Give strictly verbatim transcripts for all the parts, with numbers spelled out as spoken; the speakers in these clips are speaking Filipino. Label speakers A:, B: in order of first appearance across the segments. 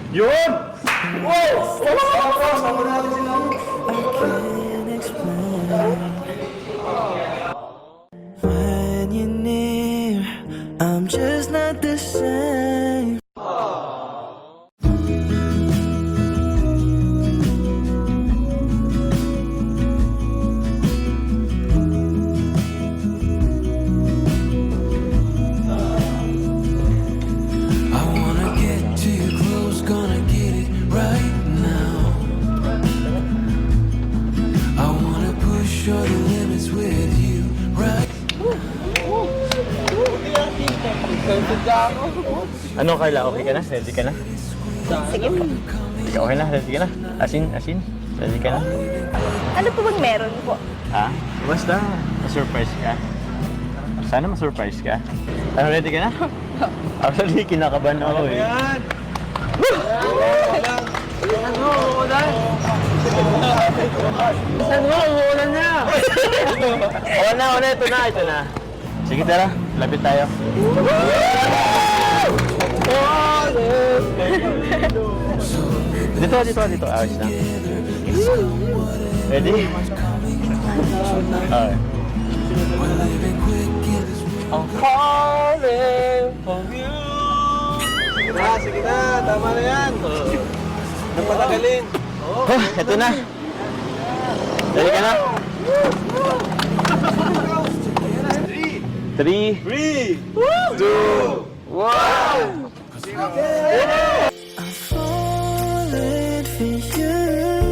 A: Yun! Wow!
B: When you're near, I'm just not the same. I wanna get to you close, gonna get it right now. I wanna push all the limits with you right.
A: Ano Carla, okay ka na? Ready ka na?
C: Sige po.
A: Ikaw okay na? Ready ka na? Asin, asin? Ready ka na?
C: Ano po bang meron po?
A: Ha? Basta, ma-surprise ka. Sana ma-surprise ka. Ano, ready ka na? Actually, kinakabahan ako eh. Ayan! Ano, uulan? Ano, uulan na? Oo na, oo na, ito na, ito na. Sige, tara, lapit tayo. Dito, dito, dito. Ayos na. Ready? Okay. I'm falling for you.
D: Sige na, sige na. Tama na yan. Napatagalin.
A: Oh, ito na. Ready ka na? Three,
D: Three,
A: two, one.
B: I'm falling for you.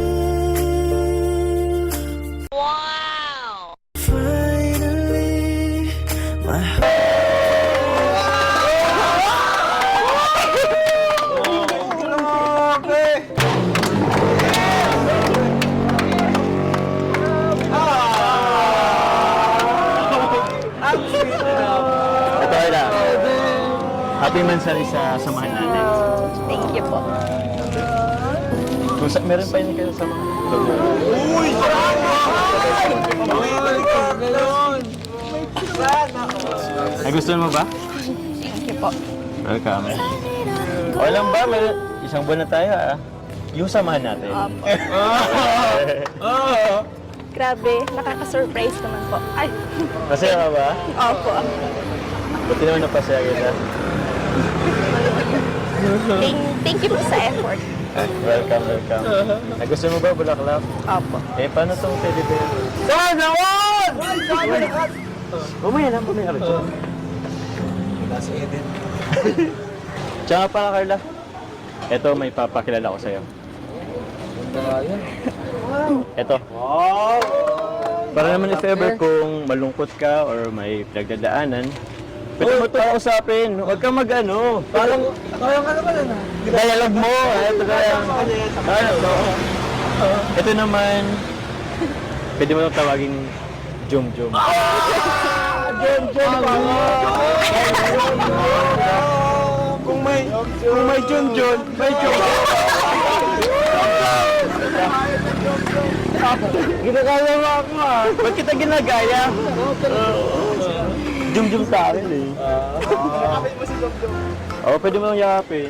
B: Wow! Finally, my heart.
A: Ito ay na. Happy Mansari sa samahan natin.
C: Thank you po.
A: Kung sa, meron pa yun kayo sa mga...
D: Uy!
A: Nagustuhan mo ba?
C: Thank you po.
A: Welcome. O lang ba? Meron, isang buwan na tayo ah. Yung samahan natin.
C: Grabe, nakaka-surprise naman po. Ay,
A: Masaya ka ba?
C: opo.
A: Buti naman napasaya kita.
C: Thank, thank you po sa effort.
A: Welcome, welcome. Nagustuhan mo ba, Bulaklak?
C: Opo.
A: Eh, paano itong teddy bear? Sana all! Bumaya lang, bumaya ka dyan.
D: Nasa Eden.
A: Tsaka pala, Carla. Ito, may papakilala ko sa'yo. Ito.
D: Wow!
A: Para naman if ever kung malungkot ka or may pinagdadaanan, pwede mo ito kausapin. Huwag kang mag-ano.
D: Parang, parang ano ka na?
A: Dialog mo. Ito kaya. Ano to? Ito naman, pwede mo itong tawaging Jum Jum.
D: Jen, Jen, Kung may, kung may Jun Jun, may Jun.
A: Ginagaya mo ako ah. Ba't kita ginagaya? Jum Jum sa akin eh.
D: Yakapin mo si Jun Jun.
A: Oo, pwede mo nang yakapin.